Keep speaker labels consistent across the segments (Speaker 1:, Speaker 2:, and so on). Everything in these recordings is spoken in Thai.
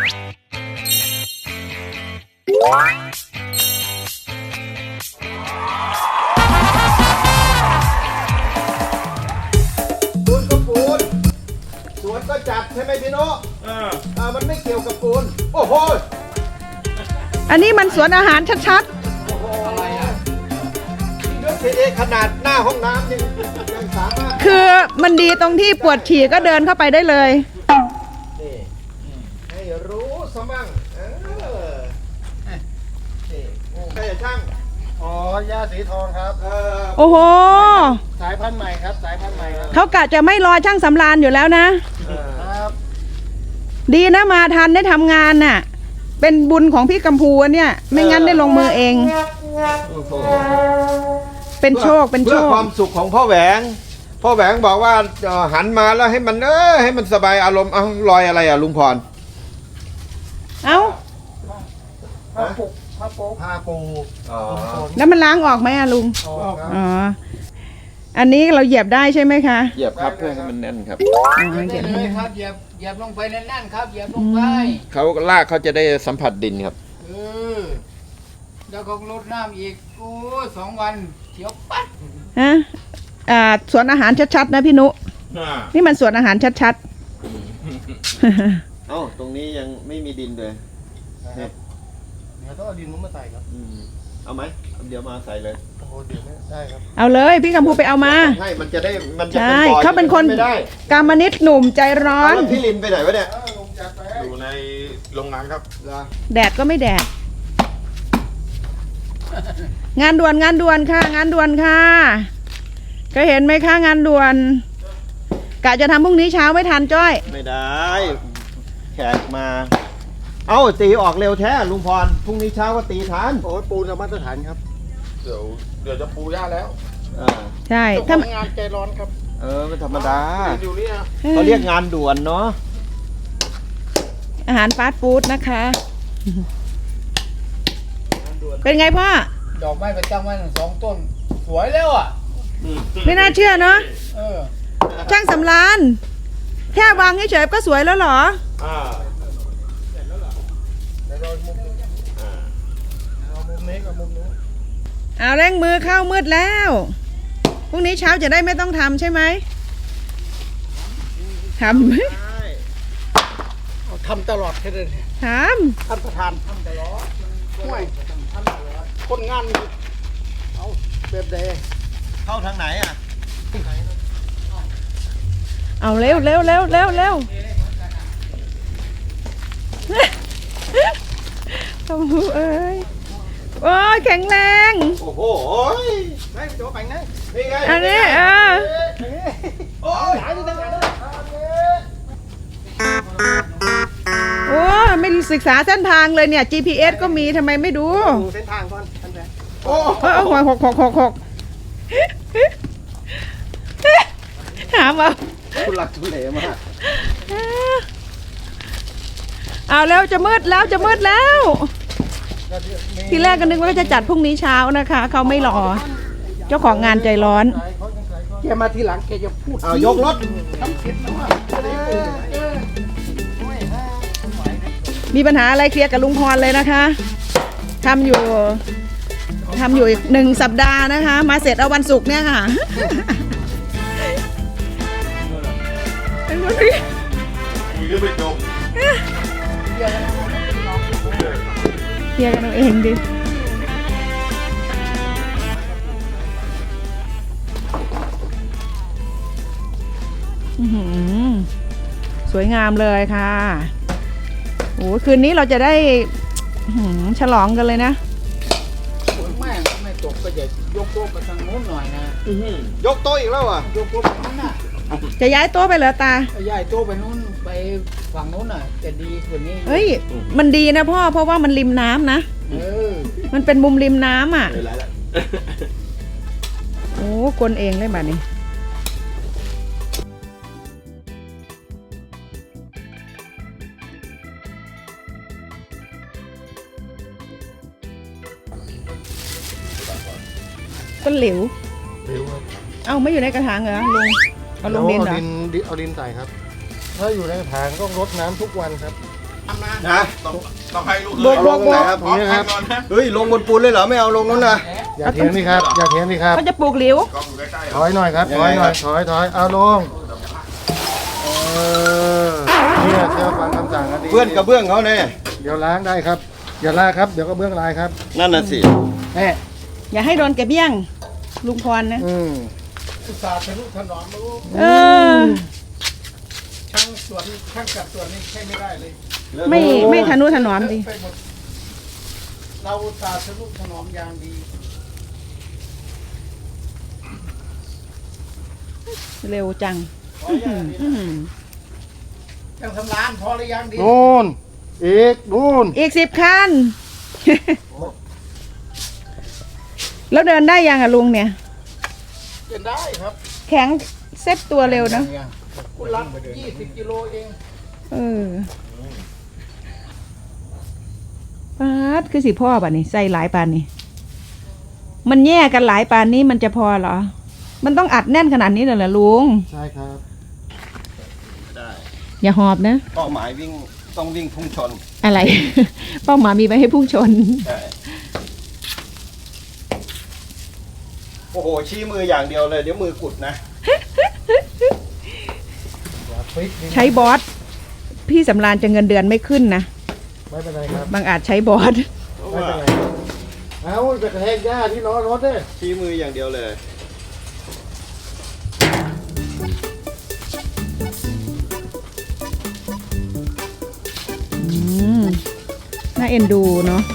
Speaker 1: ปูนก็ปูนสวนก็จัดใช่ไหมพี่โน้มันไม่เกี่ยวกับปูนโอ้โห
Speaker 2: อันนี้มันสวนอาหารชัด
Speaker 1: โอ้โหอะไรอ่ะด้วยเทขนาดหน้าห้องน้ำยังสามารถ
Speaker 2: ๆ คือมันดีตรงที่ปวดฉี่ก็เดินเข้าไปได้เลย
Speaker 1: นี่ให้รู้ซะมั่งนี่ใครจะช่าง
Speaker 3: อ๋อ ย่าสีทองครับ
Speaker 2: โอ้โห
Speaker 3: สายพันธุ์ใหม่ครับ สายพันธุ์ใหม่ครับ
Speaker 2: เขากะจะไม่รอช่างสำราญอยู่แล้วนะ
Speaker 3: ครับ
Speaker 2: ดีนะมาทันได้ทำงานน่ะ เป็นบุญของพี่กัมพูเนี่ย ไม่งั้นได้ลงมือเอง
Speaker 1: โอ้โห
Speaker 2: เป็นโชค เป็นโช
Speaker 1: เพื่อ
Speaker 2: ค
Speaker 1: ความสุขของพ่อแหวงพ่อแหวงบอกว่าหันมาแล้วให้มันให้มันสบายอารมณ์เอารอยอะไรอ่ะลุงพร
Speaker 2: เอ้า
Speaker 3: ผ้าปุกผ้าโป๊ผ้าปู
Speaker 1: อ๋อ
Speaker 2: แล้วมันล้างออกไหมอะลุง
Speaker 3: อ๋อครับ
Speaker 2: อ๋อ อันนี้เราเหยียบได้ใช่ไหมคะ
Speaker 1: เหยียบครับเพื่อให้มันแน่นครับ
Speaker 2: อ๋อ
Speaker 4: ได้
Speaker 2: เหยียบ
Speaker 4: เล
Speaker 2: ได้
Speaker 4: ยครับเหยียบลงไปแน่นๆครับเหยียบลงไป
Speaker 1: เขาลากเขาจะได้สัมผัสดินครับ
Speaker 4: เออแล้วก็ลดน้ำอีกโอ้2 วันเขียวปัด
Speaker 2: ฮะสวนอาหารชัดๆนะพี่นุ นี่มันสวนอาหารชัด
Speaker 1: เอ้าตรงนี้ยังไม่มีดินเลย
Speaker 3: เดี๋ยวต้องเอาดินมุ้งมาใส่ครับ
Speaker 1: เอาไหมเดี๋ยวมาใส่เลย
Speaker 3: โอ้โหเดี๋ยวไม่ได้ครับ
Speaker 2: ๆ เอาเลยพี่กัมพูไปเอามา
Speaker 1: ให้มันจะได้มันจะ
Speaker 2: ใช่
Speaker 1: เป็นบ่อ
Speaker 2: เขาเป็นคน
Speaker 1: ไม่ได้
Speaker 2: กามนิตหนุ่มใจร้อ
Speaker 1: เอา
Speaker 2: น
Speaker 1: แล้วพี่ลินไปไหนวะเนี่ย
Speaker 5: อยู่ในโรงงานครับ
Speaker 2: แดดก็ไม่แดด งานด่วนค่ะ งานด่วนค่ะก็เห็นไหมคะงานด่วน กะจะทำพรุ่งนี้เช้าไม่ทันจ้อย
Speaker 1: ไม่ได้ แขกมา เอ้าตีออกเร็วแท้ลุงพรพรุ่งนี้เช้าก็ตีทัน
Speaker 3: โอ้ยปูนมาตรฐานครับ
Speaker 5: เดี๋ยวจะปูหญ้าแล้ว
Speaker 2: ใช่
Speaker 3: เจ้าข
Speaker 2: ถ้า
Speaker 3: องงานใจร้อนครับ
Speaker 1: ไม่ธรรมดา
Speaker 5: อยู่เนี่ย
Speaker 1: เขาเรียกงานด่วนเนาะ
Speaker 2: อาหารฟาสต์ฟู้ดนะคะ เป็นไงพ่อ
Speaker 4: ดอกไม้ประจำวัน2 ต้น สวยแล้วอ่ะ
Speaker 2: ไม่น่าเชื่อเนาะ
Speaker 4: เออ
Speaker 2: ช่างสำรานแค่วางเฉยๆก็สวยแล้วเหรอ
Speaker 3: เดี๋ยวเรามุมนี้เอามุมนี้กับมุมนู้น
Speaker 2: เอาเร่งมือเข้ามืดแล้ว พรุ่งนี้เช้าจะได้ไม่ต้องทำใช่ไหมทำ
Speaker 3: เอาทำตลอดแค่เลย
Speaker 2: ท
Speaker 3: ท่านประธานทำตลอดห่วยคนงานเอาแบบใด
Speaker 1: เข้าทางไหนอ่ะ
Speaker 2: ำเอาเร็วเร็วเร็วเร็วเร็วทำหูเอ้ยโอ้ยแข็งแรง
Speaker 1: โอ้โห
Speaker 3: ไม่โจไปนะ
Speaker 1: นี่ไง
Speaker 2: อันนี้
Speaker 1: โอ้ย
Speaker 3: หายที่ตั้งแต่นั้น
Speaker 2: โอ้ไม่ศึกษาเส้นทางเลยเนี่ย GPS ก็มีทำไมไม่ดู
Speaker 3: ดูเส้นทางก่อนท่านแม่
Speaker 1: โอ้
Speaker 2: หวย6 ถามเอา
Speaker 1: คุณหลักทุเลมาก
Speaker 2: เอาแล้วจะมืดแล้วจะมืดแล้ว ทีแรกก็นึกว่าจะจัดพรุ่งนี้เช้านะคะ เขาไม่รอ เจ้าของงานใจร้อน
Speaker 3: แกมาทีหลังแกจะพูด
Speaker 1: เอายกรถ
Speaker 3: ทำเสร็จแล้วอ่ะ
Speaker 2: มีปัญหาอะไรเคลียร์กับลุงพรเลยนะคะทำอยู่อีก1 สัปดาห์นะคะ มาเสร็จเอาวันศุกร์เนี่ยค่ะเป็นคนที่
Speaker 5: คุยเรื่องไม่จบ
Speaker 2: เคลียร์กันเอาเองดิสวยงามเลยค่ะโอ้คืนนี้เราจะได้ฉลองกันเลยนะ
Speaker 4: ไม่ตกก็จะยกโต๊ะไปทางโน้นหน่อยนะ
Speaker 1: ยกโต๊ะอีกแล้วอ่ะ
Speaker 4: ยกโต๊ะไปนู้นน่ะ
Speaker 2: จะย้ายโต๊ะไปเหรอตา
Speaker 4: ย้ายโต๊ะไปนู้นไปฝั่งนู้นน่ะจะดีกว่านี้
Speaker 2: เฮ้ย มันดีนะพ่อ เพราะว่ามันริมน้ำนะ
Speaker 4: เออ
Speaker 2: มันเป็นมุมริมน้ำอ่ะ โอ้กลเองเลยแบบนี้ ต้นหลิว เอ้าไม่อยู่ในกระถางเหรอลุง เอาลงดินเหรอ
Speaker 3: เอาดินใส่ครับ ถ้าอยู่ในกระถางต้องรดน้ำทุกวันครับ
Speaker 1: นะ
Speaker 5: ต้องให้ลูก
Speaker 2: โบกโบกโบก
Speaker 1: ครับ
Speaker 5: พร้อมกันก่อนนะ
Speaker 1: เฮ้ยลงบนปูนเลยเหรอไม่เอาลงนู้นนะ
Speaker 3: อย่าเถียงนี่ครับอย่าเถียงนี่ครับ
Speaker 2: เขาจะปลูกหลิว
Speaker 5: กล้องอยู่ใกล้ๆ
Speaker 3: ถอยหน่อยครับถอยหน่อยถอยเอาลงเนี่ยเชื่อฟังคำสั่งกันดี
Speaker 1: เพื่อนกระเบื้องเขาเนี่ย
Speaker 3: เดี๋ยวล้างได้ครับอย่าลากครับเดี๋ยวก็เบื้องลายครับ
Speaker 1: นั่นน่ะสิ
Speaker 3: แน่
Speaker 2: อย่าให้โดนแกเบี้ยง ลุงพรนะ
Speaker 3: อุตส่าห์ทะนุถนอมรู้
Speaker 2: เออ
Speaker 3: ช่างสวนช่างจัดสวนนี่ใช่ไม่ได้เลย
Speaker 2: ไม่ทะนุถนอมดิ
Speaker 3: ไปหมดเราอุตส่าห์ทะนุถนอมอย่างดี
Speaker 2: เร็วจัง
Speaker 3: ยังทำร้านพอหรือยังดีนู่นอีกนู่น
Speaker 2: อีก10 คัน แล้วเดินได้ยังอะลุงเนี่ย
Speaker 3: เป็นได้ครับ
Speaker 2: แข็งเซ็ตตัวเร็วนะ
Speaker 3: คุณรับ20 กิโลเอง
Speaker 2: เออปาดคือสิพ่อป่ะนี่ใส่หลายปานนี่มันแย่กันหลายปานนี้มันจะพอเหรอ มันต้องอัดแน่นขนาดนี้เลยเหรอลุง
Speaker 3: ใช่ครับ
Speaker 1: ได้
Speaker 2: อย่าหอบนะ
Speaker 1: เป้าหมายวิ่งต้องวิ่งพุ่งชน
Speaker 2: อะไร เป้าหมายมีไว้ให้พุ่งชน
Speaker 1: ใช่โอ้โหชี้มืออย่างเดียวเลยเดี๋ยวมือกุดนะ
Speaker 2: ใช้บอสพี่สำราญจะเงินเดือนไม่ขึ้นนะ
Speaker 3: ไม่เป็นไรครับ
Speaker 2: บางอาจใช้บอส
Speaker 3: ไม่เป็นไรเอาไปกระแทกหญ้าที่ล้อรถเนี่ย
Speaker 1: ชี้มืออย่างเดียวเลย
Speaker 2: น่าเอ็นดูเนาะ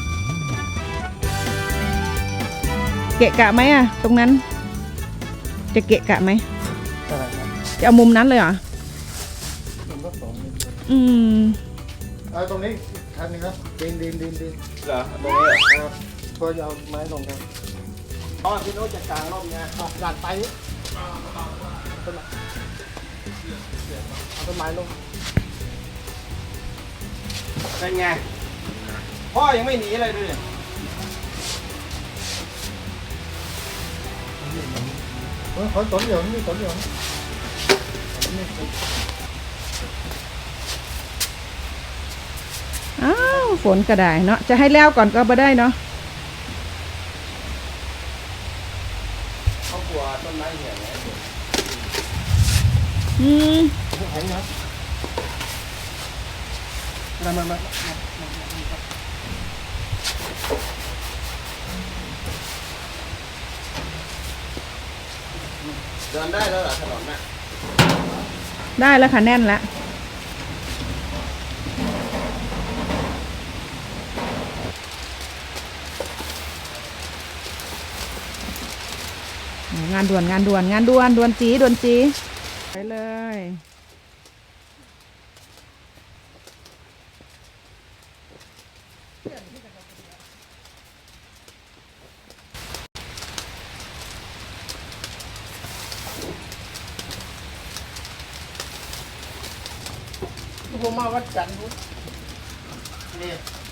Speaker 2: เกะกะไหมอะตรงนั้น จะเกะกะไหม
Speaker 3: ใช่ครับ
Speaker 2: จะเอามุมนั้นเลยเหรอ
Speaker 3: มันก็สองนิด
Speaker 2: อืม
Speaker 3: เอาตรงนี้คันนึงครับดิน
Speaker 1: เหรอตรงนี้เหรอ
Speaker 3: ครับพอจะเอาไม้ลงครับ
Speaker 1: อ๋อพี่โน้ตจะกลางร่มไง
Speaker 3: ดันไปเอาต้นไม้ลง
Speaker 1: เป็นไง พ่อยังไม่หนีเลยดูดิ
Speaker 3: ขอสนเหลียวนี่สนเหลียว
Speaker 2: อ้าวฝนก็ได้เนาะจะให้แล้วก่อนก็บ่ได้เนาะ
Speaker 1: เขากลัวต้นไม้เหี่ยวไง
Speaker 2: อืม
Speaker 3: แข็งนะมา
Speaker 1: เดินได้แล้วเหรอถนนน่ะ
Speaker 2: ได้แล้วค่ะแน่นแล้วงานด่วนด่วนจีไปเลย
Speaker 3: ผมมาวัดจันทร์นี่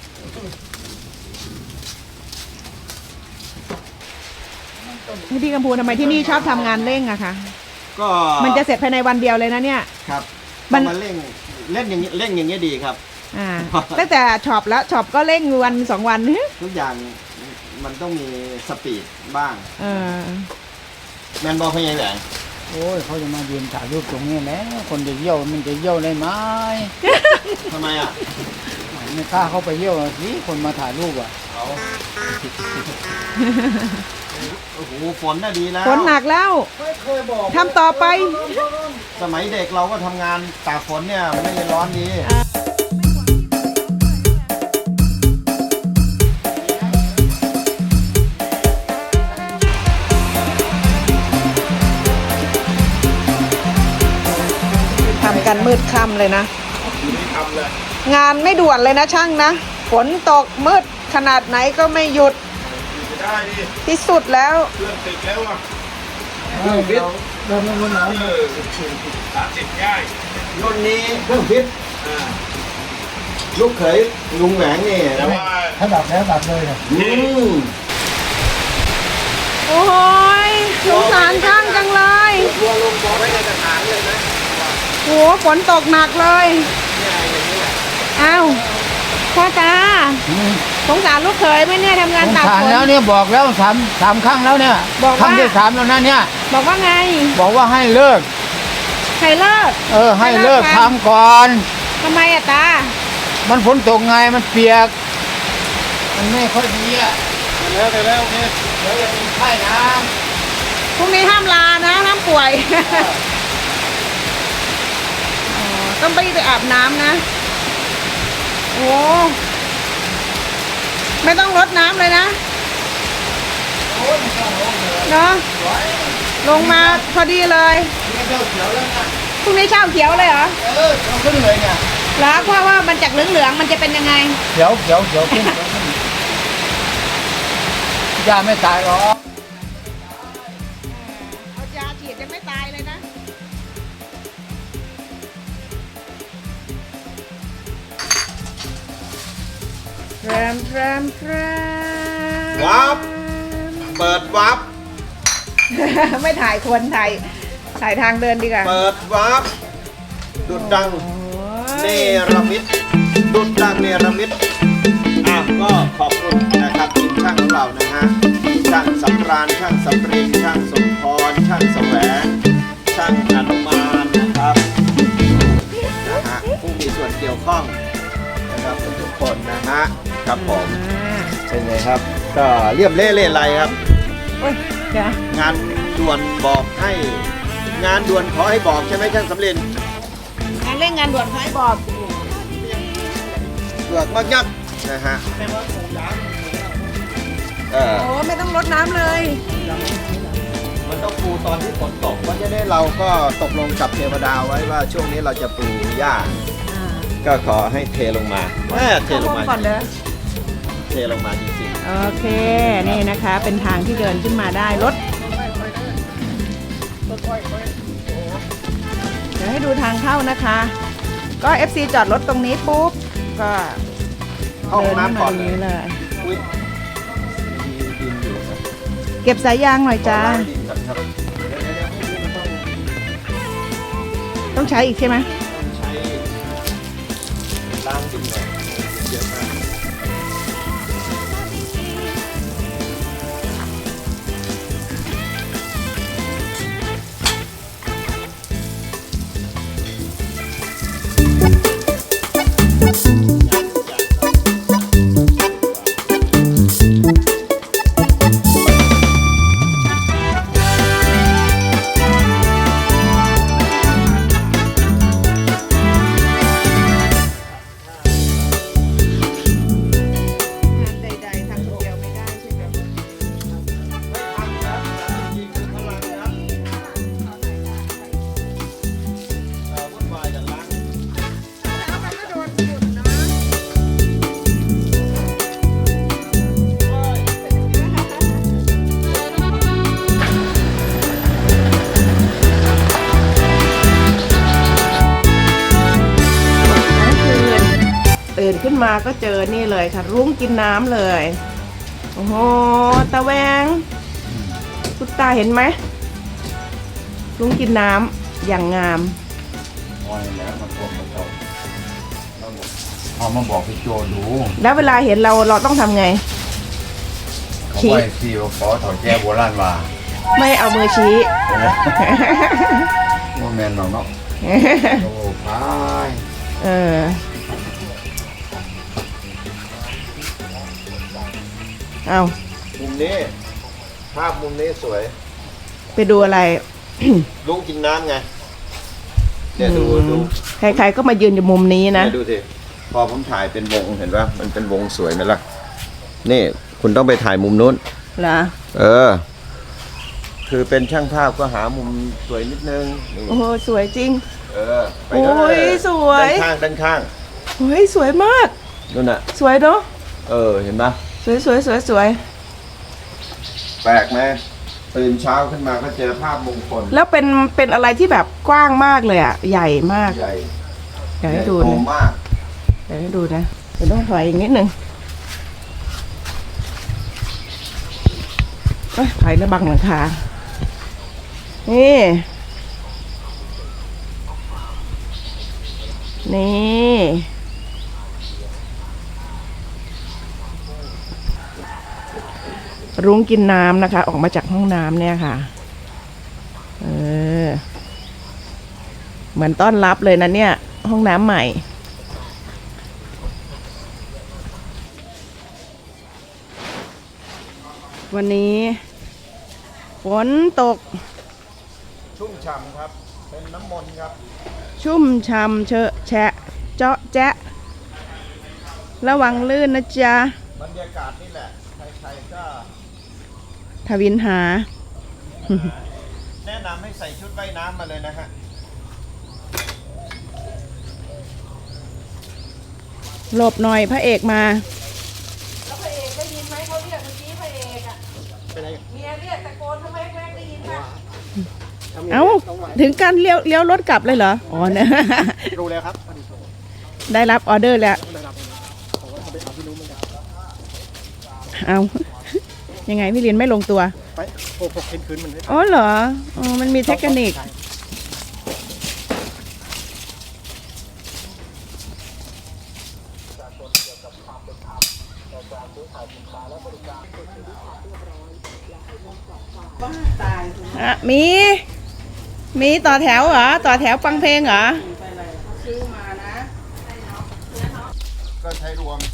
Speaker 2: พี่กัมพูทำไมที่นี่ชอบทำงานเร่งอะคะ
Speaker 1: ก็
Speaker 2: มันจะเสร็จภายในวันเดียวเลยนะเนี่ย
Speaker 1: ครับ
Speaker 2: มั
Speaker 1: มัน นมาเล่นอย่างนี้เล่นอย่างนี้ยดีครับ
Speaker 2: อ่า ตั้งแต่ช็อปแล้วช็อปก็เร่งวัน2 วัน
Speaker 1: ทุกอย่างมันต้องมีสปีดบ้าง
Speaker 2: เออ
Speaker 1: แมนบอลพยังไง
Speaker 4: โอ้ยเขาจะมายืนถ่ายรูปตรงนี้แล้วคนจะเยี่ยวมันจะเยี่ยวได้ไหม
Speaker 1: ทำไมอ่ะ
Speaker 4: ไม่กล้าเข้าไปเยี่ยวสิคนมาถ่ายรูปอ่ะ
Speaker 1: เอาโอ้โหฝนน่ะดีแล้ว
Speaker 2: ฝนหนักแล้ว
Speaker 3: ไม่เคยบอก
Speaker 2: ทำต่อไป
Speaker 1: สมัยเด็กเราก็ทำงานตากฝนเนี่ยไม่ได้ร้อนดี
Speaker 2: ทำกันมืดค่ำเลยนะ งานไม่ด่วนเลยนะช่างนะ ฝนตกมืดขนาดไหนก็ไม่หยุด
Speaker 5: จะได้ดิ
Speaker 2: ที่สุดแล้ว
Speaker 5: เพื่อนติดแล้วอ่ะ
Speaker 3: เริ่มรุ่นน้ำ
Speaker 5: 30ง่าย
Speaker 1: รุ่นนี้เครื่องพิษ
Speaker 5: อ่า
Speaker 1: ลูกเขยลุงแหวงนี่
Speaker 5: แต่ว่า
Speaker 3: ถ้าดับแล้วดับเลยเนี่ย
Speaker 2: โอ้ยสงสารช่างจังเลย
Speaker 1: ทัวลงบอกไว้ในกระถางเลยนะ
Speaker 2: โหฝนตกหนักเลยอ้าวพ่อตาสงสารลูกเขยไหมเนี่ยทำงาน
Speaker 4: สง
Speaker 2: ตาก
Speaker 4: สาร
Speaker 2: ฝน
Speaker 4: แล้วเนี่ยบอกแล้วสามครั้งแล้วเนี่ย
Speaker 2: บอกว่า
Speaker 4: ครั้งที่ 3แล้วนะเนี่ย
Speaker 2: บอกว่าไง
Speaker 4: บอกว่าให้เลิก
Speaker 2: ใครเลิก
Speaker 4: ให้เลิกทำก่อน
Speaker 2: ทำไมอะตา
Speaker 4: มันฝนตกไงมันเปียก มันไม่ค่อยดีอ่ะ
Speaker 5: แล้วโอเค
Speaker 4: เดี๋ยวจะเป็นไข้นะ
Speaker 2: พรุ่งนี้ห้ามลานะห้ามป่วย ต้องไปอาบน้ำนะ โอ้ไม่ต้องรดน้ำเลยนะเนาะลงมาพอดีเลย
Speaker 4: นี่เจ้าเขียวแล้วนะ
Speaker 2: พรุ่งนี้เช้าเขียวเลยเหรอ
Speaker 4: เอาขึ้นเลยเนี่ย
Speaker 2: แล้วเพราะว่ามันจากเหลืองๆมันจะเป็นยังไง
Speaker 4: เขียวขึ้นยาไม่ตายหรอก
Speaker 2: เอายาฉีดยังไม่ตายเลยนะแรม
Speaker 1: วับ เปิดวับ
Speaker 2: ไม่ถ่ายคนถ่ายทางเดินดีกว่า
Speaker 1: เปิดวับ ดุดดัง เนรมิตดุดดังเนรมิตก็ขอบคุณนะครับทีมช่างของเรานะฮะช่างสำราญช่างสำรินช่างสมพรช่างแสวงช่างอนุมานนะครับนะฮะผู้มีส่วนเกี่ยวข้องนะครับทุกคนนะฮะครับผมเป็นไงครับ ก็เรียบเล่เล่ไรครับ
Speaker 2: โอ้ยเดี๋ยว
Speaker 1: งานด่วนบอกให้งานด่วนขอให้บอกใช่ไหมช่างสำริน
Speaker 2: งานเร่งงานด่วนขอให้บอก
Speaker 1: เกือกมากยับนะฮะ
Speaker 2: โอ้ไม่ต้องรดน้ำเลย
Speaker 1: มันต้องปูตอนที่ฝนตกเพราะฉะนั้นเราก็ตกลงกับเทวดาไว้ว่าช่วงนี้เราจะปูหญ้าก็ขอให้เทลงมาเทลงมา
Speaker 2: ก่อนเด้อ
Speaker 1: เทลงมาจริง
Speaker 2: โอเค นี่นะคะ เป็นทางที่เดินขึ้นมาได้รถเดี๋ยวให้ดูทางเข้านะคะ ก็ FC จอดรถตรงนี้ปุ๊บ ก็
Speaker 1: ๆเข้าห้องน้ำก่อน
Speaker 2: เดินขึ้นมาตรงนี้เลย
Speaker 1: อุ๊ยมีดินอยู่นะ
Speaker 2: เก็บสายยางหน่อยจ้า
Speaker 1: ขอล้งดินก่อนครับเดี๋ยวๆๆต้อง
Speaker 2: ต้องใช้อีกใช่ไหม
Speaker 1: ต้องใช้ล้างดินหน่อยเยอะมาก
Speaker 2: งานใดๆทำคนเดียวไม่ได้ใช่ไหม ตื่นขึ้นมาก็เจอนี่เลยค่ะ รุ้งกินน้ำเลย โอ้โหตาแวงคุณตาเห็นไหมรุ้งกินน้ำอย่างงาม
Speaker 3: เอามาบอกพี่โจดู
Speaker 2: แล้วเวลาเห็นเราต้องทำไง
Speaker 3: เขาไว้ซีว่าขอถอดแก้โบราณว่า
Speaker 2: ไม่เอามือชี้
Speaker 3: โมแมนหรอกเนาะโอ้พาย
Speaker 2: เออเอา
Speaker 1: มุมนี้ภาพมุมนี้สวย
Speaker 2: ไปดูอะไร
Speaker 1: ลุงกินน้ำไงเนี่ยดู
Speaker 2: ใครๆก็มายืนอยู่มุมนี้นะ
Speaker 1: เนี่ยดูสิพอผมถ่ายเป็นวงเห็นปะมันเป็นวงสวยไหมล่ะนี่คุณต้องไปถ่ายมุมนู้น
Speaker 2: เหรอ
Speaker 1: คือเป็นช่างภาพก็หามุมสวยนิดนึงนี่
Speaker 2: โอ้โหสวยจริง
Speaker 1: ไปด้
Speaker 2: โอ้ยสวย
Speaker 1: ด้านข้าง
Speaker 2: เฮ้ยสวยมาก
Speaker 1: นู่นน่ะ
Speaker 2: สวยเนาะ
Speaker 1: เห็นปะ
Speaker 2: สวย
Speaker 1: แปลกไหมตื่นเช้าขึ้นมาก็เจอภาพมงคล
Speaker 2: แล้วเป็นอะไรที่แบบกว้างมากเลยอ่ะ ใหญ่มาก
Speaker 1: ใหญ่
Speaker 2: เดี๋ยวให้ดู
Speaker 1: โต
Speaker 2: นะ
Speaker 1: มาก
Speaker 2: เดี๋ยวให้ดูนะเดี๋ยวต้องถอยอีกนิดนึงถอยแล้วบังหลังคา นี่ นี่รุ้งกินน้ำนะคะ ออกมาจากห้องน้ำเนี่ยค่ะเหมือนต้อนรับเลยนะเนี่ยห้องน้ำใหม่วันนี้ฝนตก
Speaker 1: ชุ่มฉ่ำครับ เป็นน้ำมนต์ครับ
Speaker 2: ชุ่มช่ำเชอะแฉะเจาะแจ๊ะระวังลื่นนะจ๊ะ
Speaker 1: บรรยากาศนี่แหละ ใครๆก็
Speaker 2: ทวินหา
Speaker 1: แนะนำให้ใส่ชุดว่ายน้ำมาเลยนะฮะ
Speaker 2: หลบหน่อยพระเอกมา
Speaker 6: แล้วพระเอกได้ยินไหมเขาเรียกเมื่อกี้พระเอกอ่ะ
Speaker 3: เป็นไร
Speaker 6: เมียเรียกตะโกนทำไมแม่ได้ยินป่ะ
Speaker 2: เอ้า ถึงการเลี้ยวรถกลับเลยเหรอ อ๋อเนี่ย
Speaker 3: รู้แล้วครับ
Speaker 2: ได้รับออเดอร์แล้ว เอายังไงพี่ลินไม่ลงตัว
Speaker 3: ไปโอ้โหคืนมันเลย
Speaker 2: อ๋อเหรอ อ๋อ มันมีเทคนิค อ่ะมีต่อแถวเหรอ ต่อแถวฟังเพลงเหรอ
Speaker 1: ก็ใช้รวม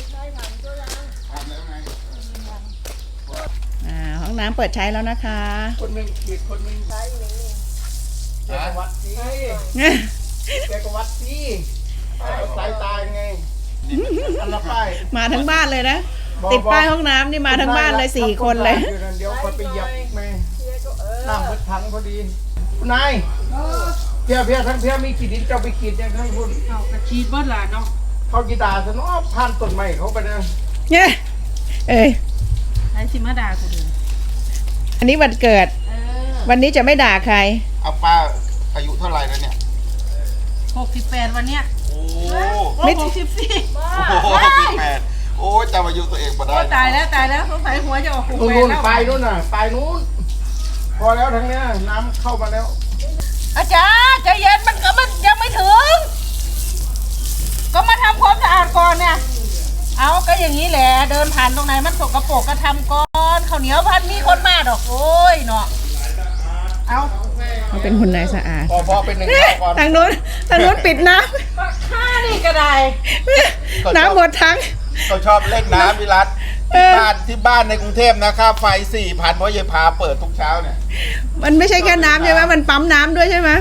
Speaker 2: ห้องน้ำเปิดใช้แล้วนะคะ
Speaker 3: คนหนึ่งอีกคนหนึ่งใช้แกก็วัดสิแกก็วัดสิสายตาไงอันละป้าย
Speaker 2: มาทั้งบ้านเลยนะ ติดป้ายห้องน้ำนี่มาทั้งบ้านเลย4 คนเลย
Speaker 3: เดี๋ยวคนไปเหยียบแม่น้ำมันพังพอดีคุณนายเพียทั้งเพียมีขีดดินเจ้าไปขีดยังให้พูด
Speaker 6: เอากระชีดเบิดล่ะเนาะ
Speaker 3: เขากีตาร์ซะเนาะพันต้นไม้เขาไปนะ
Speaker 2: เนี่ยเอ้ย
Speaker 6: ไอ้สิมาด่ากูเดิน
Speaker 2: อันนี้วันเกิด วันนี้จะไม่ด่าใคร
Speaker 5: เอาป้าอายุเท่าไหร่แล้วเนี่ย
Speaker 6: 68วันเนี้ย
Speaker 5: โอ้
Speaker 2: ไม่
Speaker 6: 64
Speaker 5: โห8โอ้จำอายุตัวเองมาได้
Speaker 6: โอ้ตายแล้วสงสัยหัวจะออกหู
Speaker 3: นู่น
Speaker 6: แล้ว
Speaker 3: ปลายนู่นน่ะปลายนู้นพอแล้วทั้งเนี้ยน้ำเข้ามาแล้ว
Speaker 6: อาจารย์ใจเย็นมันยังไม่ถึง ก็มาทำความสะอาดก่อนเนี่ย เอาก็อย่างนี้แหละเดินผ่านตรงไหนมันสกปรกก็ทำก่อนข้าวเหนียวพันมีคนมาดอกโอ้ยเนาะเอา
Speaker 2: เขาเป็นคนนายสะอาด
Speaker 3: พอเป็นหนึ่งเข้าก่อน
Speaker 2: ทางโน้นปิดน้
Speaker 6: ข้านี่ก็ได้
Speaker 2: ำ น้ำหมดทั้ง
Speaker 5: เขาชอบเล่นน้ำพิรัตที่บ้านในกรุงเทพนะค่าไฟ 4,000 เพราะยายพาเปิดทุกเช้าเนี่ย
Speaker 2: มันไม่ใช่แค่น้ำใช่ไหมมันปั๊มน้ำด้วยใช่ไหม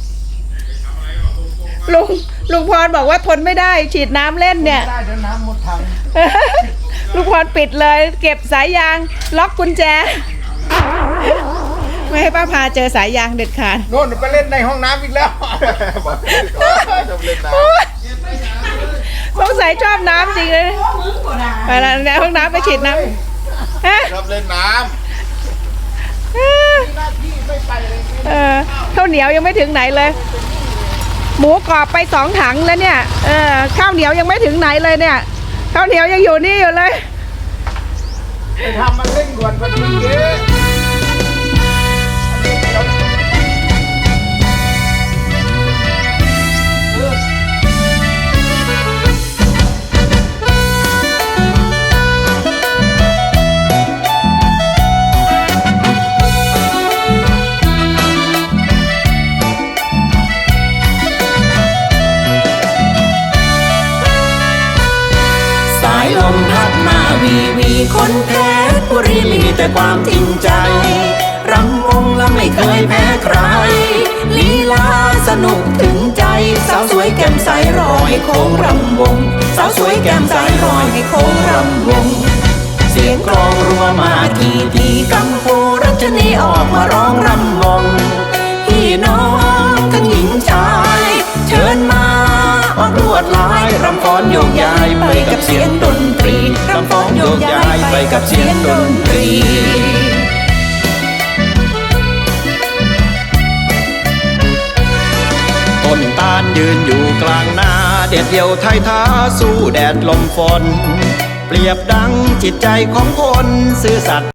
Speaker 2: ลุงพรบอกว่าทนไม่ได้ฉีดน้ำเล่นเนี่ย
Speaker 3: ได้เดี๋ยวน้ำหมดถัง
Speaker 2: ลุงพรปิดเลย เก็บสายยางล็อกกุญแจ ไม่ให้ป้าพาเจอสายยางเด็ดขาด
Speaker 3: โน่นไปเล่นในห้องน้ำอีกแล้ว
Speaker 5: ชอบเล่นน้
Speaker 2: สงสัยชอบน้ำจริงเลยไปละในห้องน้ำไปฉีดน้ำฮะ
Speaker 5: ำชอบเล่นน้
Speaker 2: ข้าวเหนียวยังไม่ถึงไหนเลย หมูกรอบไป2 ถังแล้วเนี่ยข้าวเหนียวยังไม่ถึงไหนเลยเนี่ยข้าวเหนียวยังอยู่นี่อยู่เลย
Speaker 3: ไปทำมันเร่งด่วนพอดีเยอะ
Speaker 7: สายลมพัดมาวีคนเพชรบุรีมีแต่ความจริงใจรำวงและไม่เคยแพ้ใครลีลาสนุกถึงใจสาวสวยแก้มใสรอให้โค้งรำวงสาวสวยแก้มใสรอให้โค้งรำวงเสียงกลองรัวมาทีกัมพูรัชนีออกมาร้องรำวงพี่น้องทั้งหญิงชายเชิญมาออกลวดลายรำฟ้อนโยกย้ายไปกับเสียงดนตรีรำฟ้อนโยกย้ายไปกับเสียงดนตรีต้นตาลยืนอยู่กลางนาเด็ดเดี่ยวไทยท้าสู้แดดลมฝนเปรียบดังจิตใจของคนซื่อสัตย์